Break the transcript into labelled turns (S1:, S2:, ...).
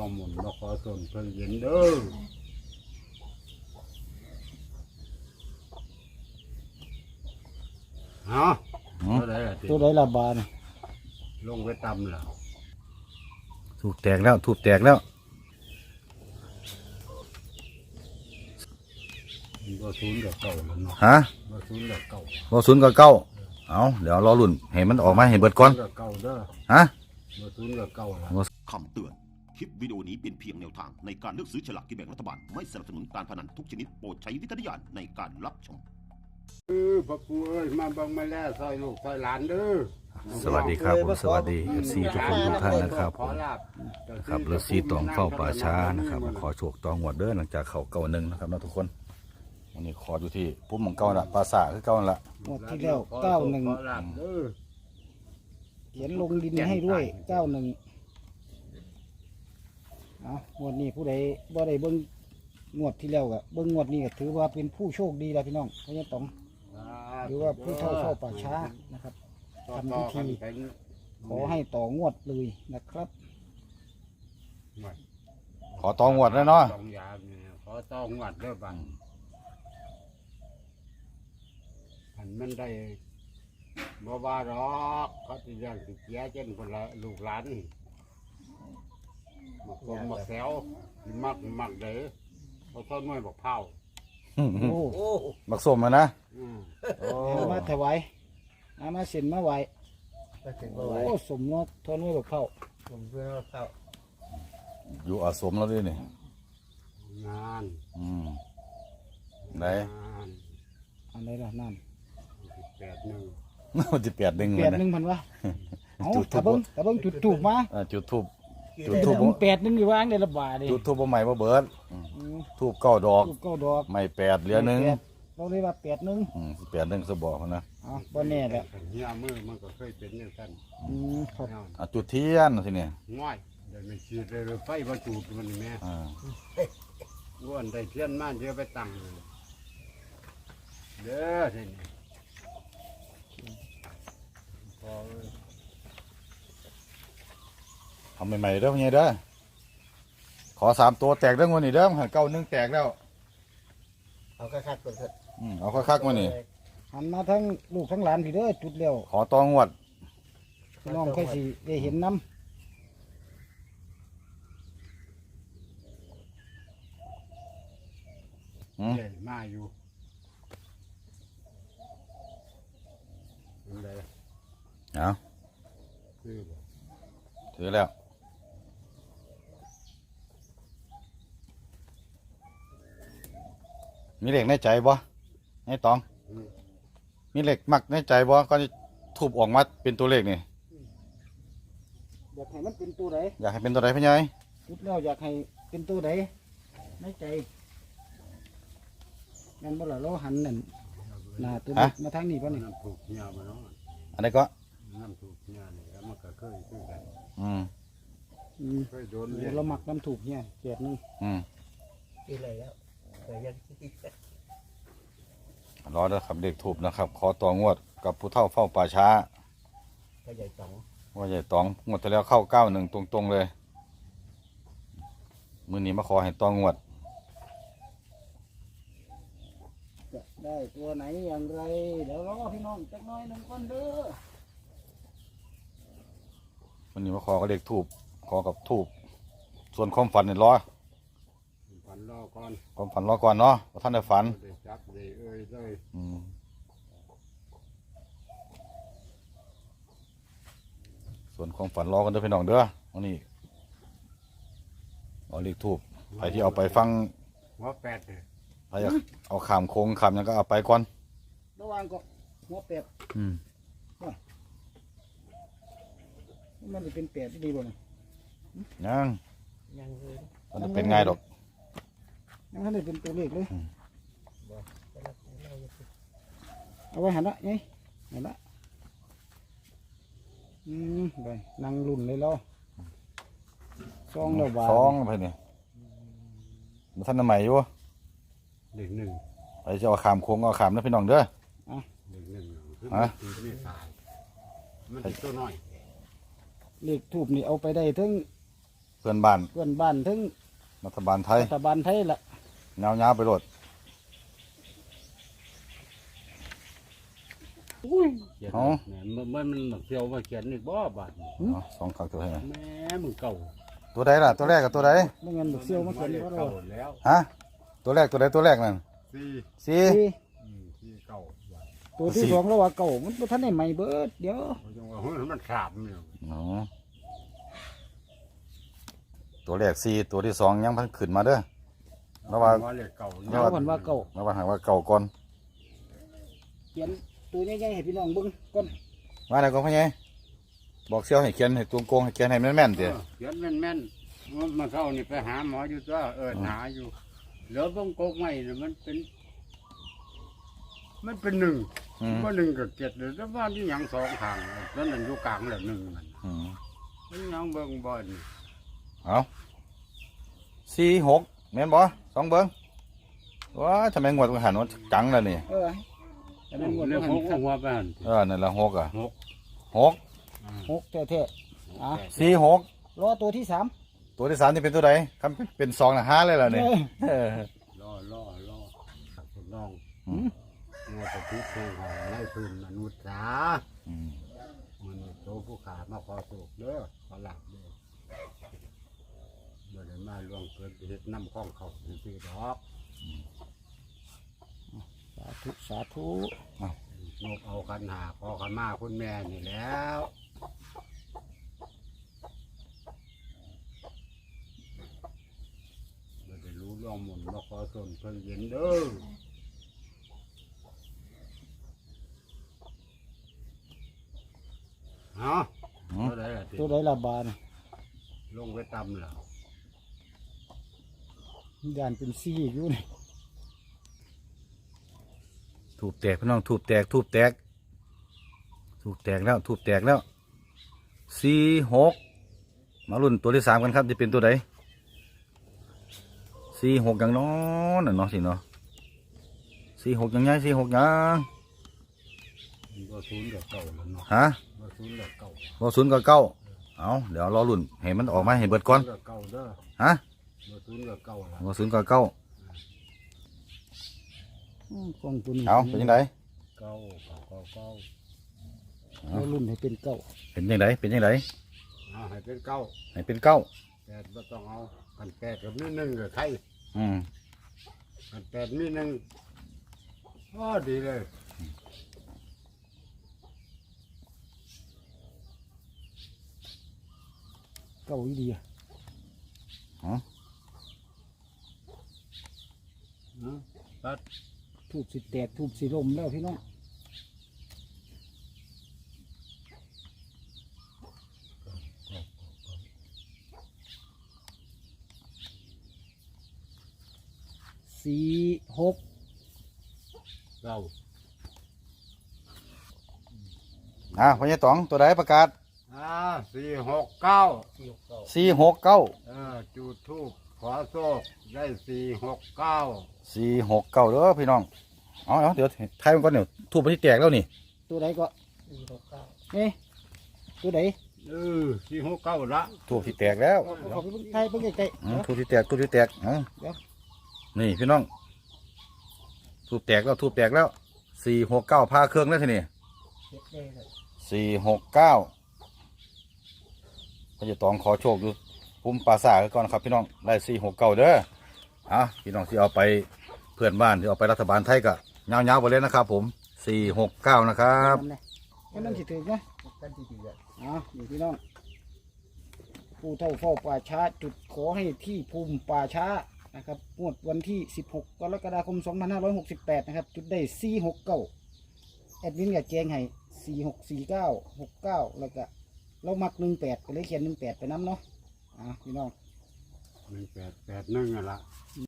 S1: หมุนมาขอส่วนเพิ่งเย็นเด้อฮะ
S2: ตัวใดละบาท
S1: ลงไปตำแล้ว
S3: ถูกแตกแล้วถูกแตกแล้ว
S1: บ่ศูนย์กับเก่าแล้วเนาะ
S3: ฮะ
S1: บ่ศูนย์กับเก่า
S3: บ่ศูนย์ก็เก้าเอาเดี๋ยวรอรุ่นให้มันออกมาให้เบิดก่อน
S1: กับเก่าเด้อ
S3: ฮะ
S1: บ่ศูนย์กับเก่าแล้ว
S4: คำเตือน คลิปวิดีโอนี้เป็นเพียงแนวทางในการเลือกซื้อฉลากกินแบ่งรัฐบาล ไม่สนับสนุนการพนันทุกชนิดโปรดใช้วิจารณญาณในการรับชม
S1: พ่อปู่เอ้ยมาเบิ่งมาแล้วซอยลูกซอยหลานเด้อ
S3: สวัสดีครับผมสวัสดี FC ทุกคนทุกท่านนะครับผมครับฤาษีตองเฝ้าป่าช้านะครับมาขอโชคตองหัวเด้อหลังจากเขาเก่าหนึ่งนะครับนะทุกคนวันนี้ขออยู่ที่พุ่มของเก่าละปราสาทคือเก่าละ
S2: งวดที่แล้ว91
S1: เด้อ
S2: เขียนลงดินให้ด้วย91เอางวดนี้ผู้ใดบ่ได้เบิ่งงวดที่แล้วก็เบิ่งงวดนี้ก็ถือว่าเป็นผู้โชคดีแล้วพี่น้องเพราะฉะนั้นต้องหรือว่าผู้เฒ่าเฝ้าป่าช้านะครับทำพิธีขอให้ต่องวดเลยนะครับ
S3: ขอตองหัวแล้วเนาะ
S1: ตองยาเนี่ยขอต้องวัดเด้อบังอันมันได้บ่ว่าหรอกเขาสิเรื่องสิเสียเจนคนละลูกหลานมักผมมักแซวมักเด้อเขาต้นไม้บอกเผา
S2: โอ้
S3: บักส้มอะนะ
S2: เอามาถวายเอามาเส้นมาไหวโอ้สมเนาะทนไว้บอกเข้า
S3: อยู่อาสมแล้วด้วยนี่
S1: งาน
S3: ไหน
S1: งาน
S2: อันไหนล่ะนั่น
S1: 8-1
S3: มันจะเปียดดึง
S2: แป
S3: มัน
S2: ด
S3: นะ
S2: หนึ่งพันวะเอา
S3: จุดธู
S2: ตะ
S3: ป
S2: เบิ้งจุดถูกมา
S3: จุดทูบ
S2: จุดถูกแปดหนึ่งอยู่ว่างได้ละบาทดิ
S3: จุดทูบบ่ใหม่บ่เบิดทูบเก้าดอก
S2: ถูกเก้าดอก
S3: ไม่แปดเหลือหนึ่ง
S2: แปดเราเรียกว่า8-1
S3: แปดหนึ่งสบอกเขานะ
S2: อ๋อบ่แน่แหละ
S1: เฮียมือมันก็เคยเป็นอย่างนั้น
S2: ครับ
S3: อ่ะจุดเทียนทีนี่
S1: ง่อยเดี๋ยวมันฉีดเลยไฟมาจูดมันนี่แม่
S3: อ่า
S1: อ้วนได้เทียนมาเดี๋ยวไปตั้งเลยเด้อทีนี้พอ
S3: ทำใหม่ๆเด้อพี่ใหญ่เด้อขอ3ตัวแตกเด้องวดนี้เด้อเก้าหนึ่งแตกแล้ว
S5: เอาคักๆก่อนเถอะ
S3: เอาคักๆมานี่
S2: หันมาทั้งลูกทั้งหลานพี่เด้อจุดแล้ว
S3: ขอตองวด
S2: พี่น้องค่อยสิได้เห็นน้
S1: ใหญ่มาอยู่อะไร
S3: เอา
S1: คือบ่
S3: ถือแล้วมีเหล็กในใจบ่ไอ้ตอง มีเหล็กมักในใจบ่ก็จะทุบออกมาเป็นตัวเลขนี่
S2: ำอยากให้มันเป็นตัวใด
S3: อยากให้เป็นตัวใดพี่ใหญ่
S2: จุดแล้วอยากให้เป็นตัวใดในใจงั้นบ่ล่ะเราหันนั่นหน้าตัวนี้มาทางนี้ป่ะนี่
S1: น้ำถูกเฮียมาเนาะ
S3: อันนี้ก็
S1: น้ำถูกเฮียนี่แล้วมันก็เคยคือกัน
S3: อืม
S1: เคยโดนเรียน
S2: เราหมักน้ำถูกเนี่ยแปดหนึ่ง
S3: อืม
S5: ปีอะไรแล้วแต่ยัง
S3: รอเด้อครับเด็กถูบนะครับ ขอต่องวดกับผู้เฒ่าเฝ้าป่าช้า
S5: ก็ใหญ่สอง
S3: ว่าใหญ่ตองงวดที่แล้วเข้า91ตรงๆเลยมื้อนี้มาขอให้ตองวด
S2: จะได้ตัวไหนอย่างไรเดี๋ยวรอพี่น้องจักหน้อยหนึ่งคนเด้อ
S3: วันนี้มาขอกับเด็กถูบขอกับถูบส่วนความฝันเนี่ยรอ
S1: ฝันรอก่อน
S3: ความฝันรอก่อนเนาะว่าท่านได้ฝัน
S1: ได้จับได้เอ้ยเลย
S3: อืมส่วนความฝันรอกันเด้อพี่น้องเด้อวันนี้เอาเลขถูบใครที่เอาไปฟัง
S1: หัว8เนี่ย
S3: ใครอยากเอาขามโค้งขามหยังก็เอาไปก่อน
S2: ระหว่างก็หัวแปด
S3: อืม
S2: มันจะเป็นแปดที่ดีบ่เนี่ย
S3: ยัง
S5: ยังเลย
S3: มันจะเป็นไงดอก
S2: ยังไม่ได้เป็นตัวเลขเลย
S5: แต่ละเราจะ
S2: เอาไว้หันละไงหันละไปนั่งรุ่นเลยเราซองแล้วบาท
S3: สองไปนี่มาท่านใหม่อยู่
S1: เด็กหนึ่ง
S3: ไปจะเอาขามโค้งเอาขามนะพี่น้องเด้อ
S1: เด็กหนึ่งคือ
S3: ฮะ
S1: มันไม่ตายมันเป็นตัวน้อย
S2: เลขทูบนี่เอาไปได้ทั้ง
S3: พื่อนบ้าน
S2: เพื่อนบ้านถึง
S3: รัฐบาลไทย
S2: รัฐบาลไทยละ
S3: เงาๆไปโลด
S2: อุ้ย
S1: เขียน
S3: อ๋อ
S1: มันเที่ยวมาเขียนอีกบ่บาดนี่
S3: เอาสองครั้งตัวให้หน่อย
S1: แม่มึงเก่า
S3: ตัวใดล่ะตัวแรกกับตัวใด
S2: ไม่งั้นบักเซียวมาเขียนก็ได้
S1: เก่าแล้ว
S3: ฮะตัวแรกตัวใดตัวแรกนั่น
S1: สี่
S3: สี่
S1: ที่เก่าบาด
S2: ตัวที่สองแล้วว่าเก่ามันบ่ทันได้ใหม่เบิดเดี๋ยว
S1: เขาจังว่าเฮ้ยมันสามเนี่ย
S3: อ๋อตัวแรกสี่ตัวที่สองยังเพิ่งขึ้นมาเด้อระวัง
S1: ว่าเลขเก่า
S2: เอาก่อนว่าเก่า
S3: ระวังหาว่าเก่าก่อน
S2: เขียนตัวใหญ่ๆให้พี่น้องเบิ่งก่อน
S3: ว่าอะไรก็พ่อใหญ่บอกเสี่ยวให้เขียนให้ตัวโกงให้เขียนให้แม่นๆเดี๋ยว
S1: เขียนแม่นๆมาเข้านี่ไปหาหมออยู่ตัวหาอยู่เหลือบ้งโกกไม่เนี่ยมันเป็นหนึ่ง
S3: อืม
S1: ว่าหนึ่งกับเจ็ดเลยแต่ว่าที่ยังสองทางแล้วนั่นอยู่กลางแหละหนึ่งมัน
S3: อืม
S1: มันยังเบิ่งบ่อน
S3: เอาสี่หกแม่นบ่สองเบิ้งว้าทำไมงวดมันหันว่าจังแล้วนี่
S2: แต่มันงวด
S1: เรื่อง
S2: หั
S1: ห
S2: น
S1: ก
S2: ครับ
S1: หัวไปหัน
S3: นั่นละหกอ่ะ
S1: หก
S3: หก
S2: หกแท้ๆอ่ะ
S3: สี่หก
S2: รอตัวที่สาม
S3: ตัวที่สามนี่เป็นตัวใดคำเป็นสองนะห้าเลยล่ะเนี่ยเออ
S1: ล่อทดลอง
S3: อืม
S1: งัวตะพิษแทงหาไล่พื้นมนุษย์จ้า
S3: อืม
S1: มันโตผู้ขามาขอสูกเด้อขอหลับเด้อเมื่อได้มาล่วงเกิดเหตุน้ำข้องเขาสิดอก
S2: สาธุสาธุ
S1: นกเอากันหาพ่อกันมาคุณแม่นี่แล้วไม่ได้รู้ร่องหมุนมาขอส่วนเพิ่งเย็นเด้อฮะตัวใดล่ะติ
S2: ตัวใดละบาน
S1: ลงไปตำแล้ว
S2: ยานเป็นซี่อยู่นี่
S3: ถูกแตกพี่น้องถูกแตกถูกแตกถูกแตกแล้วถูกแตกแล้วสี่หกมาลุ้นตัวที่สามกันครับจะเป็นตัวใดสี่หกอย่างน้อยน่ะเนาะสิเนาะสี่หกอย่างไงสี่หกอย่าง
S1: มันก็ศูนย์กับเก่าแล้วเนาะ
S3: ฮะ
S1: ก็ศูนย์กับเก่า
S3: บ่ศูนย์กับเก้าเอาเดี๋ยวรอลุ้นให้มันออกมาให้เบิดก่อน
S1: กับเก่าเด้อ
S3: ฮะ
S1: ก็ศูนย์กับเก่าละ
S3: บ่ศูนย์กับเก้า
S2: กล้องตัวนี้
S3: เอาเป็นยังไง
S1: เก่า
S2: เรารุ่นให้เป็นเก้า
S3: เป็นยังไงเป็นยังไง
S1: เอาให้เป็นเก่า
S3: ให้เป็นเก้า
S1: แปดไม่ต้องเอากันแปดกับมีหนึ่งกับใคร
S3: อืม
S1: กันแปดมีหนึ่งอ๋อดีเลย
S2: เก้าอีเดีย
S1: ตัด
S2: ทูบสิแตกทูบสิลมแล้วพี่น้องสี่หก
S1: เก่า
S3: พ่อใหญ่ต๋องตัวใดประกาศ
S1: สี่หกเก้า
S3: สี่หกเก้า
S1: จุดทูบขอโชคได้สี่หกเก้า
S3: สี่หกเก้าเด้อพี่น้องเอาเดี๋ยวไทยมันก่อนเดี๋ยวทูบไปที่แตกแล้วนี่
S2: ตัวใดก็
S5: 469
S2: เอ๊ะตัวใด
S1: สี่หกเก้าละ
S3: ทูบที่แตกแล้ว
S2: ขอไปเบิ่งไทยเบิ่งใกล้ๆเดี๋ยว
S3: ทูบที่แตกทูบที่แตกเอา
S2: เดี๋ยว
S3: นี่พี่น้องทูบแตกแล้วทูบแตกแล้วสี่หกเก้าพาเครื่องแล้วทีนี่
S5: เฮ็ดได้เลย
S3: สี่หกเก้าพ่อใหญ่ต๋องขอโชคอยู่ภูมิปราสาทก่อนครับพี่น้องได้สี่หกเก้าเด้อพี่น้องที่เอาไปเพื่อนบ้านที่เอาไปรัฐบาลไทยก็ยาวๆไปเลยนะครับผมสี่หกเก้านะครับ
S2: นั่นแหละให้มันสิถึงนะ
S5: กันที่ดีอ่ะ
S2: นี่พี่น้องผู้เท่าเฝ้าป่าช้าจุดขอให้ที่ภูมิป่าช้านะครับงวดวันที่ 16 กรกฎาคม 2568 นะครับ จุดได้ 469 แอดมินกับแจ้งให้ 4649 69 แล้วก็เรามัก 18ก็เลยเขียน 18 ไปน้ำเนาะพี่น้อง
S1: 1 8 8 1อ่ะละ